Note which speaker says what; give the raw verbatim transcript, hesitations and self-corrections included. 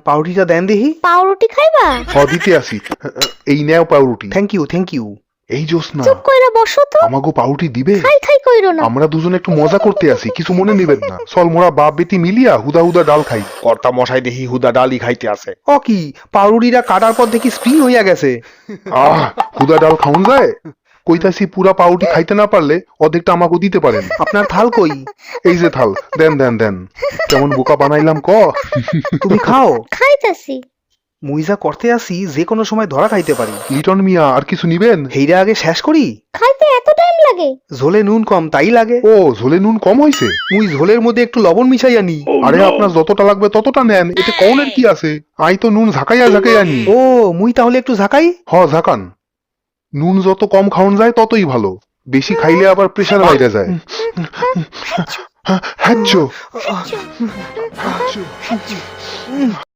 Speaker 1: পাউরুটিটা দেন দেখি।
Speaker 2: পাউরুটি খাইবা?
Speaker 3: হ দিতে আসি। এই নেও পাউরুটি।
Speaker 1: Thank you thank you.
Speaker 3: এই জোসনা,
Speaker 2: চুপ কইরা বসো তো।
Speaker 3: আমাগো পাউরুটি দিবে?
Speaker 2: খাই খাই কইরো না।
Speaker 3: আমরা দুজনে একটু মজা করতে আসি, কিছু মনে নেবেন না। চল মোরা বাপ বেটি মিলিয়া হুদা হুদা ডাল খাই।
Speaker 4: কর্তা মশাই দেখি হুদা ডালই খাইতে আছে।
Speaker 1: ও কি পাউরুটিটা কাটার পর দেখি স্প্রিং হইয়া গেছে।
Speaker 3: আহ হুদা ডাল খাওন যায়? কইতাছি পুরা পাউরুটি খাইতে না পারলে অর্ধেকটা আমাকে দিতে পারেন।
Speaker 1: আপনার থাল কই?
Speaker 3: এই যে থাল, দেন দেন দেন। কেমন বোকা বানাইলাম ক?
Speaker 1: তুমি খাও।
Speaker 2: খাইতাছি।
Speaker 1: মুইজা করতে আসি যে কোনো সময় ধরা খাইতে পারি।
Speaker 3: লিটন মিয়া আর কিছু নিবেন?
Speaker 1: হেইরা আগে শেষ করি।
Speaker 2: খাইতে এত টাইম লাগে?
Speaker 1: ঝোলে নুন কম তাই লাগে।
Speaker 3: ও ঝোলে নুন কম হইছে?
Speaker 1: মুই ঝোলের মধ্যে একটু লবণ মিশাই আনি।
Speaker 3: আরে আপনার যতটা লাগবে ততটা নেন, এতে কৌনের কি আছে? আই তো নুন ঝাঁকাইয়া ঝাঁকাইয়া নি।
Speaker 1: ও মুই তাহলে একটু ঝাঁকাই।
Speaker 3: হ ঝাঁকান। নুন যত কম খাওন যায় ততই ভালো, বেশি খাইলে আবার প্রেশার বাইরে যায়। হ্যাঁ হ্যাঁ